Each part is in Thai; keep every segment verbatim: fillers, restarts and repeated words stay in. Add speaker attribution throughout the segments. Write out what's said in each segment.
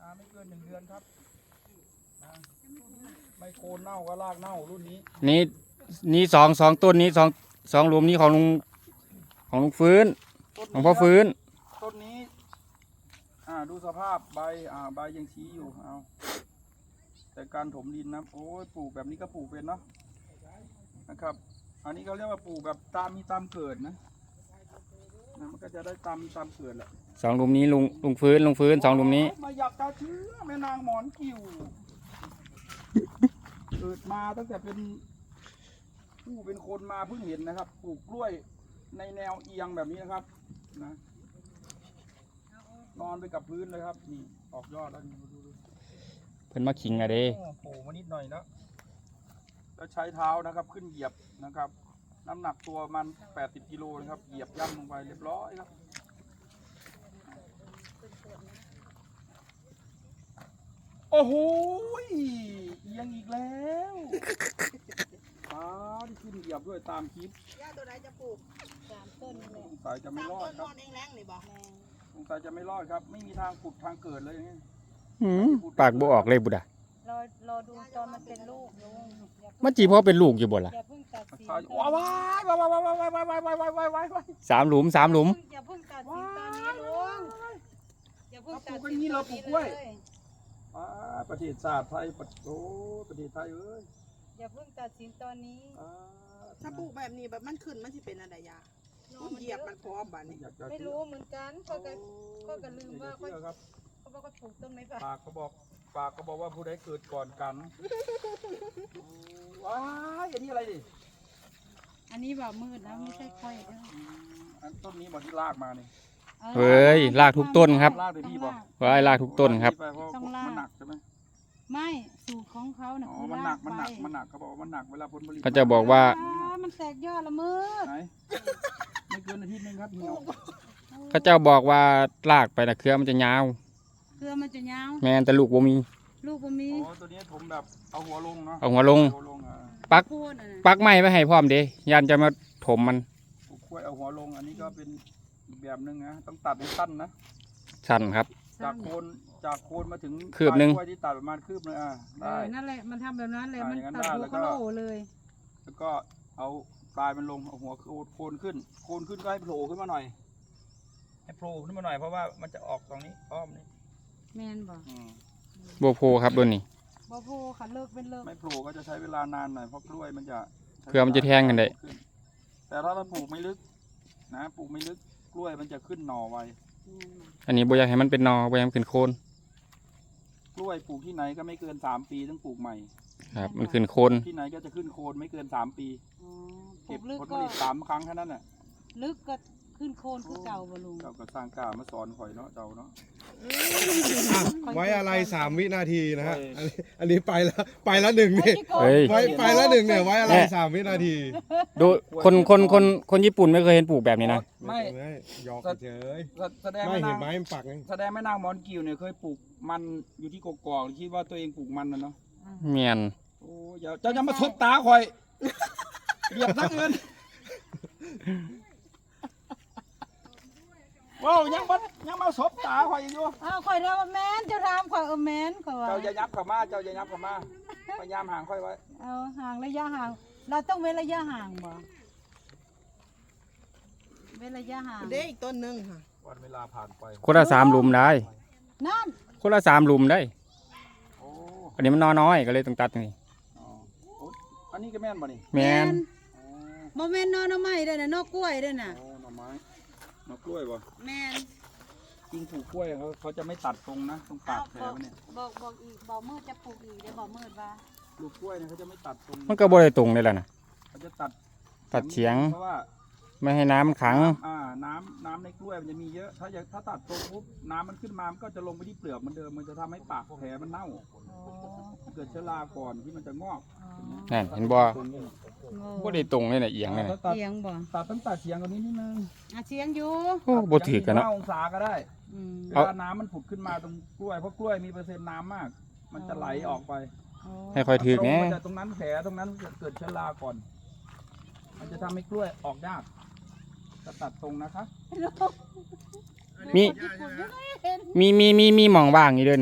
Speaker 1: อ่าไม่เกินหนึ่งเดือนครับไม่โคนเน่าก็รากเน่ารุ่นนี้
Speaker 2: นี่นี่สองสองต้นนี้สองสองหลุมนี้ของลุงของลุงฟื้นของพ่อฟื้น
Speaker 1: ต้นนี้อ่าดูสภาพใบอ่าใบยังชี้อยู่เอาแต่การถมดินนะโอ้ยปลูกแบบนี้ก็ปลูกเป็นเนาะนะครับอันนี้เขาเรียกว่าปลูกแบบตามมีตามเกิดนะนะมันก็จะได้ตามมีตามเกิดแหละ
Speaker 2: สองหลุมนี้ลุงลุงฟื้นลุงฟื้นสองหลุมนี้
Speaker 1: มาอยากจะเชื่อแม่นางหมอนกิ่วเกิดมาตั้งแต่เป็นผู้เป็นคนมาเพิ่งเห็นนะครับปลูกกล้วยในแนวเอียงแบบนี้นะครับนะนอนไปกับพื้นเลยครับนี่ออกยอดแล้วนี่ดูดู
Speaker 2: เพิ่นมาขิงอะเด้
Speaker 1: โผล่มานิดหน่อยแล้วแล้วใช้เท้านะครับขึ้นเหยียบนะครับน้ำหนักตัวมันแปดสิบกิโลนะครับเหยียบย่ำลงไปเรียบร้อยครับโอ้โหเอียงอีกแล้วป้าที่ขึ้นเหยียบด้วยตามคลิป
Speaker 3: ย่าตัวไหนจะปลูกสามต้นเลย
Speaker 1: สงสัยจะไม่รอดครับสงสัยจะไม่รอดครับไม่มีทางขุดทางเกิดเลยอย่างนี้
Speaker 2: ปากบ่ออกเลยบุดะ
Speaker 3: รอรอดูตอนมันเป็นลูกลุง
Speaker 2: มันจีพ่อเป็นลูกอยู่บ่ล่ะ
Speaker 3: อย่าเพิ่งตัดสิน
Speaker 1: ว้าวว้าวว้าวว้าวว้าวว้าวว้าวว้าวว้าวว้าวว้าว
Speaker 2: สามหลุมสามหลุม
Speaker 3: อย่าเพิ่งตัดสินตอนนี้ลุงอย่าเพิ่งตัดสิน
Speaker 1: เราปลูกกล้วยประเทศชาติไทยโอ้ประเทศไทยเอ้ย
Speaker 3: อย่าเพิ่งตัดสินตอนนี้
Speaker 4: ถ้าปลูกแบบนี้แบบมันขึ้นมันจะเป็นอะไรยาเหยียบมันพร้อมบ้านี้
Speaker 3: ไม่รู้เหมือนกันก็ก็ก็ก็ลืมว่าเขาเขาบอกว่าปลูกต้นไม้ป่ะ
Speaker 1: ปากก็บอกปากก็บอกว่าผู้ใดเกิดก่อนกันว้ายอันนี้อะไรดิ
Speaker 3: อันนี้แบบมืดนะไม่ใช่ค่อยเด้อ
Speaker 1: อันต้นนี้บอกที่ลากมาเนี่ย
Speaker 2: เฮ้ยลากทุกต้นครับ
Speaker 1: ลากเลยพี่บอก
Speaker 2: ว้ายลากทุกต้นครับ
Speaker 1: ต้องลากมันหนักใช่ไหม
Speaker 3: ไม่สูตรของเขาเนี่ย
Speaker 1: คือมันหนักมันหนักมันหนักเขาบอกว่ามันหนักเวลาผลผลิต
Speaker 2: เขาจะบอกว่า
Speaker 3: มันแตกยอดละมืด
Speaker 1: ไหนไม่เกินอาทิตย์นึงครับเหี่ยว
Speaker 2: เขาเจ้าบอกว่าลากไปนะเครือมันจะยาว
Speaker 3: เครือมันจะยาว
Speaker 2: แม่แต่ลูกบ่มี
Speaker 3: ลูกบ่มี
Speaker 1: อ๋อตัวนี้ผมแบบเอาหัวลงเนาะ
Speaker 2: เอาหัวลงปักปักไม้ไม่ให้พร้อมเด้ยันจะมาถมมัน
Speaker 1: กล้วยเอาหัวลงอันนี้ก็เป็นอีกแบบนึงนะต้องตัดให้สั้นนะ
Speaker 2: สั้นครับ
Speaker 1: จากโคนจากโคนมาถึง
Speaker 2: คืบนึง
Speaker 1: กล้วยที่ตัดประมาณคืบนึงอ่ะได้
Speaker 3: นั่นแหละมันทำแบบนั้นเลยมันตัดหัวโคโลเลย
Speaker 1: แล้วก็เอาปลายมันลงเอาหัวโคนขึ้นโคนขึ้นก็ให้โผล่ขึ้นมาหน่อยให้โผล่ขึ้นมาหน่อยเพราะว่ามันจะออกตรงนี้อ้อมนี่
Speaker 3: แมนบอก
Speaker 2: โบโพครับตัวนี้
Speaker 3: โบโพค่ะเลิกเป็นเลิก
Speaker 1: ไม่โผล่ก็จะใช้เวลานานหน่อยเพราะกล้วยมันจะ
Speaker 2: เพื่อมันจะแทงกันได้
Speaker 1: แต่ถ้าเราปลูกไม่ลึกนะปลูกไม่ลึกกล้วยมันจะขึ้นหน่อไว
Speaker 2: อันนี้โบอยากให้มันเป็นหน่อโบอยากให้มันขึ้นโคน
Speaker 1: กล้วยปลูกที่ไหนก็ไม่เกินสามปีต้องปลูกใหม่
Speaker 2: ครับมันขึ้นโคน
Speaker 1: ที่ไหนก็จะขึ้นโคนไม่เกินสามปีเก็บผลผลิตสามครั้งแค่นั้นแหละ
Speaker 3: ลึกก็ขึ้นโคนคือเก่าบ่ลุง
Speaker 1: เก่าก็สร้างกล้ามาสอนข่อยเนาะเจ้าเนาะ
Speaker 5: ไว้อะไรสามวินาทีนะฮะอันนี้อันนี้ไปแล้วไปแล้วหนึ่งนี่ไว้ไปแล้วหนึ่งเนี่ยไว้อะไรสามวินาที
Speaker 2: ดูคนคนคนคนญี่ปุ่นไม่เคยเห็นปลูกแบบนี้นะ
Speaker 1: ไม่
Speaker 5: ยอกเฉย
Speaker 1: แสดง
Speaker 5: ไม่เห็นไม้มันปักไง
Speaker 1: แสดงแม่นางมอนกิวเนี่ยเคยปลูกมันอยู่ที่กกอกคิดว่าตัวเองปลูกมันนะเนาะ
Speaker 2: เมียน
Speaker 1: โอ้ยเจ้าจะมาทบตาข่อยเหยียบทั้งเงินว้าวยังมันยังมาสบตาข่อยอยู่
Speaker 3: อ้าวข่อยแล้วแมนเจ้าถามข่อยเออแมนข่อย
Speaker 1: เจ้าอย่ายับเข้ามาเจ้าอย่ายับเข้ามาพยายามห่างค่อยไว้
Speaker 3: เอาห่างระยะห่างเราต้องเว้นระยะห่างบ่เว้นระยะห่าง
Speaker 4: เด็กอีกต้นนึงค่ะ
Speaker 1: วันเวลาผ่านไป
Speaker 2: คนละสามหลุมได้
Speaker 3: นั่น
Speaker 2: คนละสามหลุมได้อันนี้มันน้อยก็เลยต้องตัดนี่
Speaker 1: อันนี้ก็แม่นบ่นี่
Speaker 2: แม่น
Speaker 3: บ่แม่นนอไม้ได้น่ะนอกล้วยได้น่ะ
Speaker 1: โอ้หน่อไม้หน่อกล้วยบ่
Speaker 3: แม่น
Speaker 1: จริงปลูกกล้วยเขาเขาจะไม่ตัดตรงนะตรงปากแผลมันเนี่ย
Speaker 3: บอกบอกอีกบอกมืดจะปลูกอีกเดี๋ยวบอกมืดว่า
Speaker 1: ปลูกกล้วยเนี่ยเขาจะไม่ตัดตรง
Speaker 2: มันก็บ่ได้ตรงเลยล่ะนะ
Speaker 1: เขาจะตัด
Speaker 2: ตัดเฉียง
Speaker 1: เพราะว่า
Speaker 2: ไม่ให้น้ำขัง
Speaker 1: อ่าน้ำน้ำในกล้วยมันจะมีเยอะถ้าอยากถ้าตัดตรงปุ๊บน้ำมันขึ้นมามันก็จะลงไปที่เปลือกเหมือนเดิมมันจะทำให้ปากแผลมันเน่าเกิดเชื้อราก่อนที่มันจะงอก
Speaker 2: นั่นเห็นบ่บ่ได้ตรงเลยน่ะเอียงเลย
Speaker 3: เอียงบ่
Speaker 1: ตัดตั้งแต่เฉียงตรงนี้นิดนึง
Speaker 3: อ่ะเฉียงอยู่
Speaker 2: โอ้บ่ถือกันเนาะ
Speaker 1: องศาก็ได้เวลาน้ำมันผุดขึ้นมาตรงกล้วยเพราะกล้วยมีเปอร์เซ็นต์น้ำมากมันจะไหลออกไป
Speaker 2: ให้ค่อยถือแน่
Speaker 1: ตรงนั้นแผลตรงนั้นเกิดเชื้อราก่อนมันจะทำให้กล้วยออกยากจะตัดตรงนะคะ
Speaker 2: มีมีมีมีมีหม่องว่างอยู่ด้วยนะ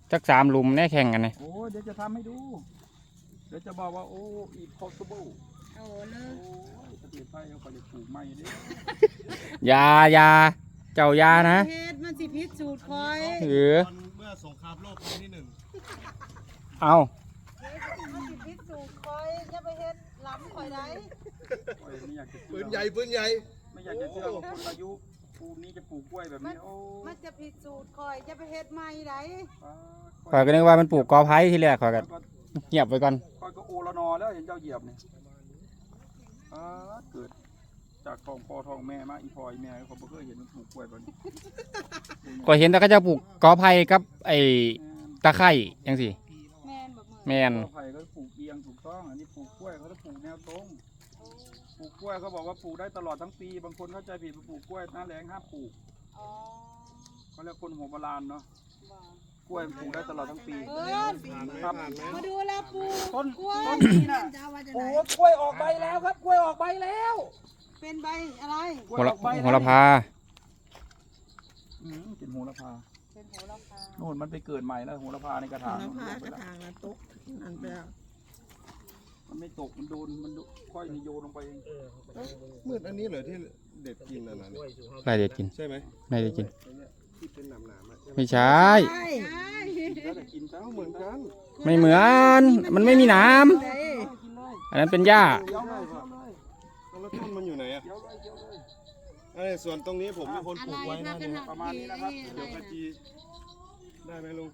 Speaker 2: จักสามหลุมแน่แข่งกันเลย
Speaker 1: โอ้ยเดี๋ยวจะทำให้ดู เดี๋ยวจะบอกว่าโอ้ impossible
Speaker 3: เอาเล
Speaker 1: โอ้
Speaker 3: ย
Speaker 1: ยประเทศไทยเขาก็จะปลูกไม้เด้
Speaker 2: อยาอยาเจ้ายานะ
Speaker 3: เฮ็ดมันสิพิษสูตรคอย
Speaker 2: เออ
Speaker 5: ตอนเมื่อสงครามโลกครั้งที่หนึ่ง
Speaker 2: เอา
Speaker 3: มันสิพิษสูตรคอยอย่าไปเฮ็ดล้ำคอยได้
Speaker 1: โอ้ยไม่อยากจะ
Speaker 5: ปื
Speaker 1: เชื่อน
Speaker 5: ใหญ่ปืนใหญ่
Speaker 1: ไม่อยากจะเชื่อว่าคนอายุปูนี้จะปลูกกล้วยแบบนี้โอ้
Speaker 3: มันจะผิดสูตรคอยอย่าไปเฮ็ดใหม่ได้
Speaker 2: ข่อยก็นึกว่ามันปลูกกอไผ่ที่แรกข่อยก็
Speaker 1: ก็
Speaker 2: เงียบไว้ก่อน
Speaker 1: ค่อยก็โอละนอแล้วเห็นเจ้าเหยียบเนี่ยอ่าเกิดจากทองพ่อทองแม่มาอีพออีแม่เขาบ่เคยเห็นมันปลูกกล้วยแบบนี้
Speaker 2: ก็เห็นแต่เขาจะปลูกกอไผ่กับไอ้ตะไคร้จังสิ
Speaker 3: แม่นบ่มือ
Speaker 2: แมน
Speaker 1: กอไผ่ก็ปลูกเอียงถูกต้องอันนี้ปลูกกล้วยเขาจะปลูกแนวตรงปลูกกล้วยเขาบอกว่าปลูกได้ตลอดทั้งปีบางคนเข้าใจผิดว่าปลูกกล้วยหน้าแล้งห้ามปลูก
Speaker 3: อ๋อ
Speaker 1: เขาเรียกคนหัวโบราณเนาะ
Speaker 3: บ่
Speaker 1: กล้วยปลูกได้ตลอดทั้งปี
Speaker 3: เออ
Speaker 5: ผ่านไหม
Speaker 1: ครับ
Speaker 5: ผ่านไหม
Speaker 3: มาดูแล้วปู
Speaker 1: ต้น
Speaker 3: กล้วย
Speaker 1: ต้นนี้น่ะ
Speaker 4: จะเอาว่าจะไหน
Speaker 1: โอ้กล้วยออกใบแล้วครับกล้วยออกใบแล้ว
Speaker 3: เป็นใบอะไร
Speaker 1: กล้วย
Speaker 2: โห
Speaker 1: อ
Speaker 2: ระ
Speaker 1: อกใบ
Speaker 2: โหระพา
Speaker 1: อืมกินโหระพา
Speaker 3: เป็นโหระพา
Speaker 1: โน่นมันไปเกิดใหม่แล้วโหระพาในกระถาง
Speaker 4: น้ำ
Speaker 1: มัน
Speaker 4: พา
Speaker 1: ลงไป
Speaker 4: กระ
Speaker 1: แล้ว
Speaker 4: ถางนะตุ๊กนั่นไปแล้ว
Speaker 1: มันไม่ตกมันโดนมันโดนค่อยนี่โยนลงไปเอง
Speaker 5: มืดอันนี้เหรอที่เด็ดกินอันนั้น
Speaker 2: ใครเด็ดกิน
Speaker 5: ใช่ไหม
Speaker 2: ไม่ได้กิน
Speaker 5: ไอ้เนี่ยที่เป็นหนามๆอะใช่ไหม
Speaker 2: ไม่ใช่
Speaker 3: ใช่
Speaker 1: แล้วแต่กินแล้วเหมือนกัน
Speaker 2: ไม่เหมือน มันไม่มีหน้
Speaker 4: เด้
Speaker 1: กินเลย
Speaker 2: ำอันนั้นเป็นหญ้า
Speaker 1: เคี้ยวเลยเคี้ยวเลย
Speaker 5: แล้วต้นมันอยู่ไหนอ่ะ
Speaker 1: เคี้ยวเลยเคี้ยวเลย
Speaker 5: ไอ้ส่วนตรงนี้ผมเป็นคนปลูกไว้นะเนี่ย
Speaker 1: ประมาณนี้นะครับ
Speaker 5: เดี๋ยวกะจีได้ไหมลุง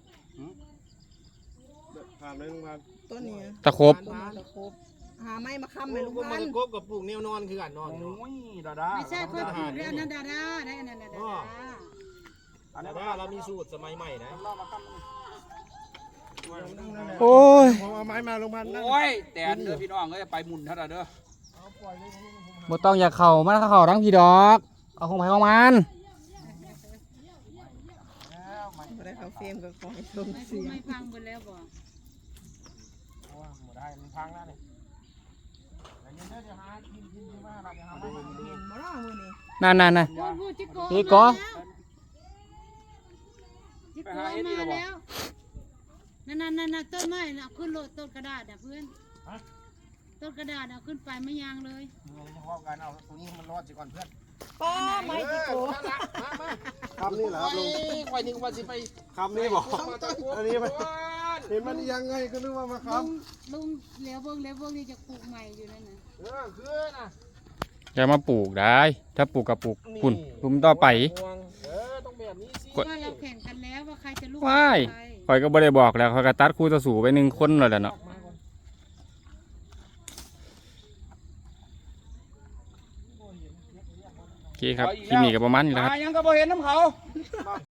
Speaker 5: ผ่านไหมลุงพัน
Speaker 4: ต้นนี้
Speaker 2: ตะครบ
Speaker 4: ต้นตะครบหาไม้มาค้ำไหมลุง
Speaker 6: ก็
Speaker 4: พั
Speaker 6: มัน นกบกับปลูกแนวนอนคือกันนอน
Speaker 1: โอ้ยดาดา
Speaker 3: ไม่ใช่ค่อยปลูกได้อันนั้นดาดาได้อันนั้นดาดา
Speaker 1: อัน
Speaker 6: แต่
Speaker 1: นี้
Speaker 6: ว่าเรามีสูตรสมัยใหม่นะ
Speaker 1: เรามาตั้ง
Speaker 2: โอ้ย
Speaker 5: ผมเอาไม้มาลุงพันนั่ง
Speaker 1: โอ้ยแต่เด้อพี่น้องก็จะไปหมุนเท่าไหร่เด้อ
Speaker 2: บ่ต้องอยากเข่ามาถ้าเข่าทั้งพี่ดอก เอาของไผ่ของมัน
Speaker 4: บ่ได้เขาเฟรมก็ขอให้ลง
Speaker 3: ไม่
Speaker 4: เสียง
Speaker 3: ไม่พังหมดแล้วบ่
Speaker 6: ว่าหมดได้มันพังแล้วเนี่ยแต่ยังได้จะหากินกินดีมากเราจะหาไม่
Speaker 4: เห็นบ่ล่ะมื้อนี้
Speaker 2: นั่นนั่นนั่น
Speaker 3: พูดพูดจิโก
Speaker 2: จิโก
Speaker 3: จิโกมาแล้วนั่นนั่นนั่นต้นไม้น่ะขึ้นโลดต้นกระดาษน่ะเพื่อนต้นกระดาษเอาขึ้นไปไม่ยางเลย
Speaker 6: เงินเฉพาะการเอาตรงนี้มันรอดสิก่อนเพื่อน
Speaker 4: ป้าไม้จิโก
Speaker 6: มามา
Speaker 5: คำนี้เหรอครับลุง
Speaker 6: คอยนึกว่าสิไป
Speaker 5: คำนี้บอกอันนี้มันเห็นมันยังไงก็นึกว่ามาค
Speaker 3: ลุงลุงเหลียวเบิ่งเหลียวเบิ่งนี่จะปลูกใหม่อยู่นั่นน่ะ
Speaker 6: เออคือนะ
Speaker 2: อย่ามาปลูกได้ ถ้าปลูกกับปลูกปุ่นลุมต่อไป
Speaker 6: ห่วงเออต้องแบบนี้สิ
Speaker 3: ว่าเราแข่งกันแล้วว่าใครจะลูก
Speaker 2: ว้าย
Speaker 3: ใคร
Speaker 2: ข่อยก็บ่ได้บอกแล้วข่อยก็ตัดคู่ต่อสู้ไปหนึ่งคนแล้วแหละเนาะ
Speaker 6: มาก่อน
Speaker 2: โอเคครับคลิปนี้ก็ประมาณนี้แหละครับ
Speaker 1: มายังก็บ่เห็นน้ำเขา